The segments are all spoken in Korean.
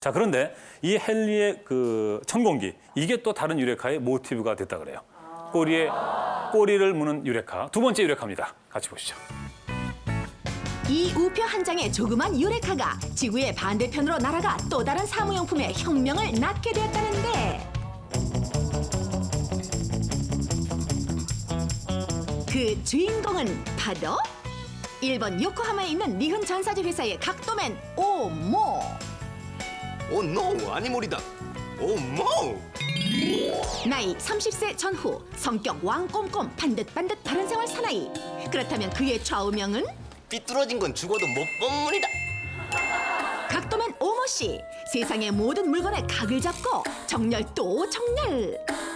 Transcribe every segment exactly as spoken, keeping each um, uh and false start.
자, 그런데 이 헨리의 그 천공기, 이게 또 다른 유레카의 모티브가 됐다 그래요. 꼬리에 꼬리를 무는 유레카. 두 번째 유레카입니다. 같이 보시죠. 이 우표 한 장의 조그만 유레카가 지구의 반대편으로 날아가 또 다른 사무용품의 혁명을 낳게 되었다는데, 그 주인공은 바로 일본 요코하마에 있는 니흔 전사지 회사의 각도맨 오모. 오 노! 아니모리다! 오 모! 나이 삼십 세 전후, 성격 왕꼼꼼, 반듯반듯 바른 생활 사나이. 그렇다면 그의 좌우명은? 삐뚤어진 건 죽어도 못 본문이다! 각도맨 오모 씨. 세상의 모든 물건에 각을 잡고 정렬 또 정렬.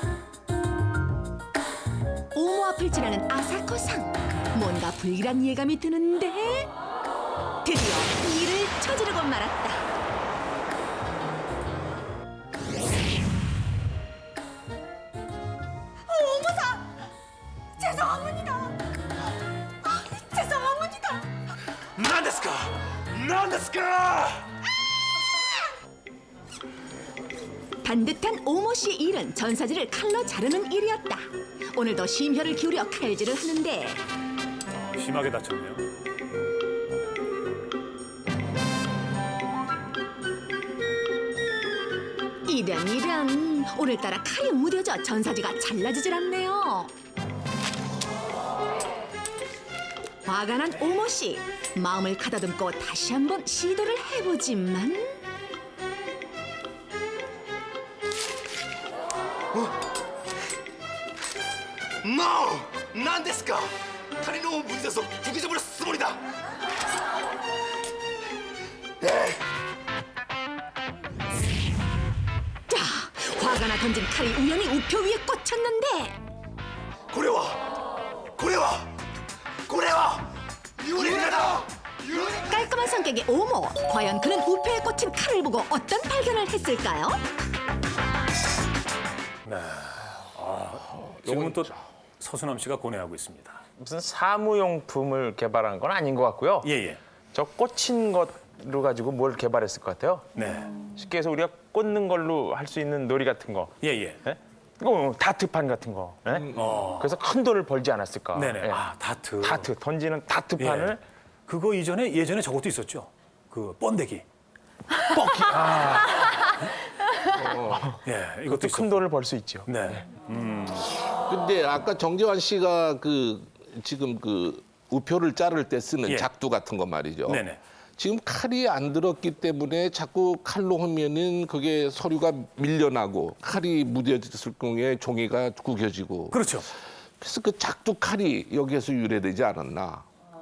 오모 앞을 지나는 아사코상. 뭔가 불길한 예감이 드는데 드디어 일을 저지르고 말았다. 오모사! 죄송합니다. 아, 죄송합니다. 난데스까! 난데스까! 반듯한 오모 씨의 일은 전사지를 칼로 자르는 일이었다. 오늘도 심혈을 기울여 칼질을 하는데 어, 심하게 다쳤네요. 이런 이런, 오늘따라 칼이 무뎌져 전사지가 잘라지질 않네요. 화가 난 오모 씨, 마음을 가다듬고 다시 한번 시도를 해보지만 노! 난데스까! 칼이 너무 무뎌서 구겨져 버렸어 쓰모리다! 자, 화가 나 던진 칼이 우연히 우표 위에 꽂혔는데 고래와! 고래와! 고래와! 유리가다! 유리! 깔끔한 성격의 오모, 과연 그는 우표에 꽂힌 칼을 보고 어떤 발견을 했을까요? 네. 아, 지금은 또 서수남 씨가 고뇌하고 있습니다. 무슨 사무용품을 개발한 건 아닌 것 같고요. 예, 예. 저 꽂힌 것로 가지고 뭘 개발했을 것 같아요. 네. 쉽게 해서 우리가 꽂는 걸로 할 수 있는 놀이 같은 거. 예, 예. 예? 이거 다트판 같은 거. 예? 어. 그래서 큰 돈을 벌지 않았을까. 네네. 예. 아, 다트. 다트, 던지는 다트판을 예. 그거 이전에 예전에 저것도 있었죠. 그 번데기. 뻑히. 아, 예, 이것도 그것도 있었고. 큰 돈을 벌 수 있죠. 네. 근데 아까 정재환 씨가 그 지금 그 우표를 자를 때 쓰는 예. 작두 같은 거 말이죠. 네네. 지금 칼이 안 들었기 때문에 자꾸 칼로 하면은 그게 서류가 밀려나고 칼이 무뎌졌을 경우에 종이가 구겨지고. 그렇죠. 그래서 그 작두 칼이 여기에서 유래되지 않았나.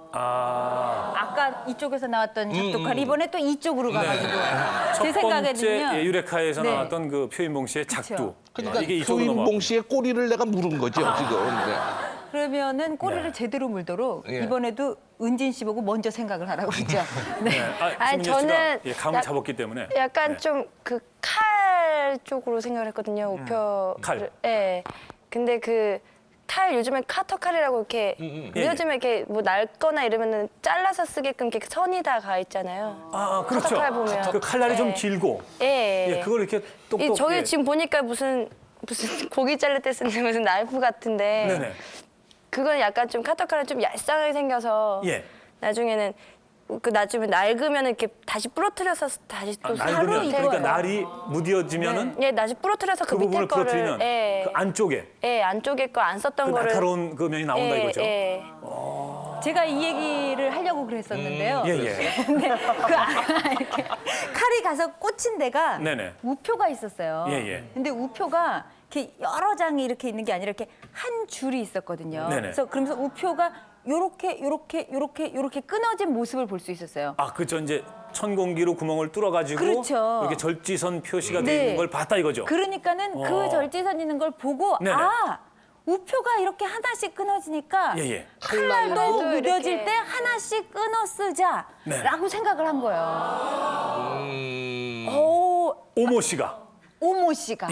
아, 아까 이쪽에서 나왔던 작두칼 이번에 또 이쪽으로 가가지고 첫 제 번째 생각에는요. 예, 유레카에서 네. 나왔던 그 표인봉 씨의 작두. 그러니까 이게 이쪽으로 표인봉 넘어가고. 씨의 꼬리를 내가 물은 거죠 지금. 네. 그러면은 꼬리를 네. 제대로 물도록 예. 이번에도 은진 씨 보고 먼저 생각을 하라고 그러죠. 네. 네. 아, 아니, 송민여 씨가 저는 예, 감을 약- 잡았기 때문에. 약간 네. 좀 그 칼 쪽으로 생각을 했거든요. 우표. 칼. 예. 근데 그 칼 요즘엔 카터 칼이라고 이렇게 예, 요즘에 이렇게 뭐 낡거나 이러면은 잘라서 쓰게끔 이렇게 선이 다 가 있잖아요. 아, 그렇죠. 카터 칼 보면. 그 칼날이 좀 예. 길고. 예. 예, 그걸 이렇게 똑똑. 이 저희 예. 지금 보니까 무슨 무슨 고기 자를 때 쓰는 무슨 나이프 같은데 네네. 그건 약간 좀 카터 칼이 좀 얄쌍하게 생겨서 예. 나중에는 그 나중에 낡으면 이렇게 다시 부러뜨려서 다시 아, 또 낡으면 새로 그러니까 이거예요. 날이 무뎌지면은 예, 다시 부러뜨려서 그 그, 밑에 부분을 거를 부러뜨리면 예, 그 안쪽에 예, 안쪽에 거 안 썼던 그 거를 날카로운 그 면이 나온다 예, 이거죠. 예. 제가 이 얘기를 하려고 그랬었는데요. 예, 예. 근데 그 아- 이렇게 칼이 가서 꽂힌 데가 네네. 우표가 있었어요. 예, 예. 근데 우표가 이렇게 여러 장이 이렇게 있는 게 아니라 이렇게 한 줄이 있었거든요. 네네. 그래서 그러면서 우표가 요렇게 요렇게 요렇게 요렇게 끊어진 모습을 볼 수 있었어요. 아, 그저 이제 천공기로 구멍을 뚫어가지고 그렇죠. 이렇게 절지선 표시가 네. 되어 있는 걸 봤다 이거죠. 그러니까는 어. 그 절지선 있는 걸 보고 네네. 아 우표가 이렇게 하나씩 끊어지니까 예, 예. 칼날도 칼날도 무뎌질 이렇게. 때 하나씩 끊어 쓰자라고 네. 생각을 한 거예요. 음, 오, 오모 씨가. 오모 씨가.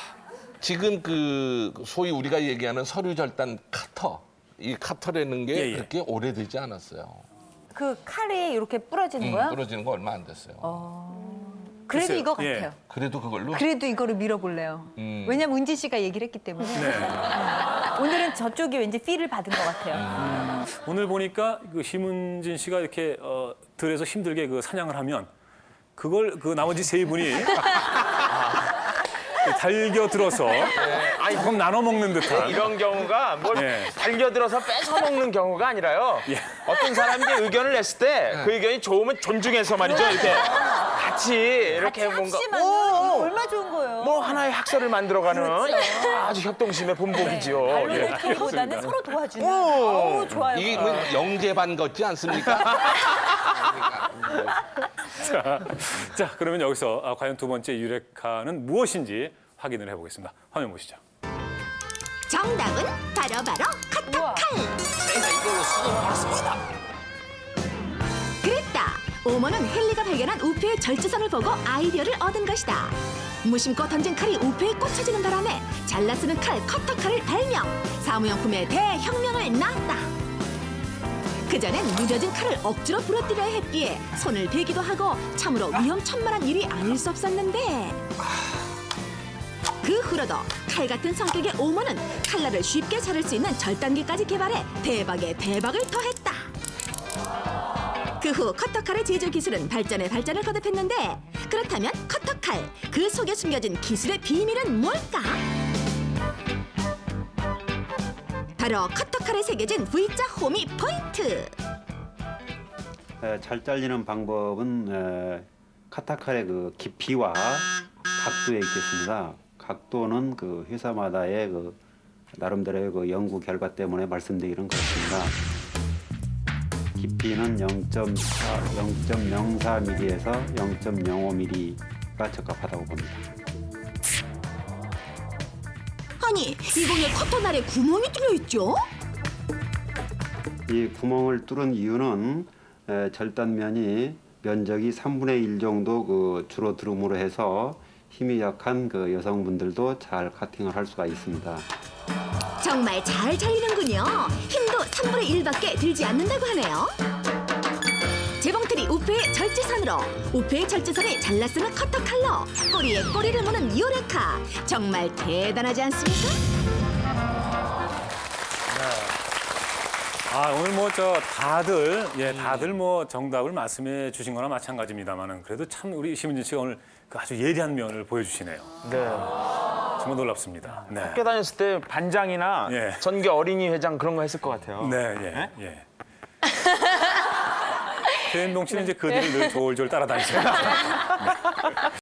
지금 그 소위 우리가 얘기하는 서류 절단 카터, 이 카터라는 게 예, 예. 그렇게 오래되지 않았어요. 그 칼이 이렇게 부러지는 음, 거야? 부러지는 거 얼마 안 됐어요. 그래도 글쎄요. 이거 예. 같아요. 그래도 그걸로? 그래도 이거를 밀어볼래요. 왜냐면 은지 씨가 얘기를 했기 때문에. 오늘은 저쪽이 왠지 필을 받은 것 같아요. 오늘 보니까 그 심은진 씨가 이렇게 어, 들에서 힘들게 그 사냥을 하면 그걸 그 나머지 세 분이 달겨 들어서 조금 나눠 먹는 듯한. 이런 경우가 뭘 예. 달겨들어서 뺏어 먹는 경우가 아니라요. 예. 어떤 사람이 의견을 냈을 때 그 의견이 좋으면 존중해서 말이죠. 이렇게 같이 이렇게 뭔가 합심하면 오, 이거 얼마 좋은 거예요. 뭐 하나의 학설을 만들어가는 아주 협동심의 본보기지요. 발로 예. 내기보다는 서로 도와주는. 오. 어우, 좋아요. 이게 뭐 영재반 같지 않습니까? 자, 자, 그러면 여기서 아, 과연 두 번째 유레카는 무엇인지 확인을 해보겠습니다. 화면 보시죠. 정답은 바로바로 커터칼. 제가 이걸로 수동을 받았습니다. 그랬다. 오머는 헨리가 발견한 우표의 절제선을 보고 아이디어를 얻은 것이다. 무심코 던진 칼이 우표에 꽂혀지는 바람에 잘라 쓰는 칼 커터칼을 발명. 사무용품의 대혁명을 낳았다. 그전엔 무뎌진 칼을 억지로 부러뜨려야 했기에 손을 베기도 하고 참으로 위험천만한 일이 아닐 수 없었는데 그 후로도 칼 같은 성격의 오머는 칼날을 쉽게 자를 수 있는 절단기까지 개발해 대박에 대박을 더했다. 그 후 커터칼의 제조 기술은 발전에 발전을 거듭했는데 그렇다면 커터칼 그 속에 숨겨진 기술의 비밀은 뭘까? 바로 커터칼에 새겨진 V자 호미 포인트. 에, 잘 잘리는 방법은 에, 카타칼의 그 깊이와 각도에 있겠습니다. 각도는 그 회사마다의 그 나름대로의 그 연구 결과 때문에 말씀드리는 그렇습니다. 깊이는 영 점 영사 밀리미터에서 영 점 영오 밀리미터가 적합하다고 봅니다. 아니 이 공에 커터날에 구멍이 뚫려 있죠? 이 구멍을 뚫은 이유는 에, 절단면이 면적이 삼분의 일 정도 그 줄어들음으로 해서 힘이 약한 그 여성분들도 잘 카팅을 할 수가 있습니다. 정말 잘 잘리는군요. 힘도 삼분의 일밖에 들지 않는다고 하네요. 재봉틀이 우표의 절제선으로 우표의 절제선을 잘라 쓰는 커터칼로 꼬리에 꼬리를 무는 유레카. 정말 대단하지 않습니까? 아, 오늘 뭐 저 다들 예, 다들 뭐 정답을 말씀해 주신 거나 마찬가지입니다만은 그래도 참 우리 심은진 씨가 오늘 그 아주 예리한 면을 보여주시네요. 네. 정말 놀랍습니다. 네. 학교 다녔을 때 반장이나 예. 전교 어린이 회장 그런 거 했을 것 같아요. 네, 예, 예. 최은동 씨는 이제 그 뒤를 늘 졸졸 따라다니시죠.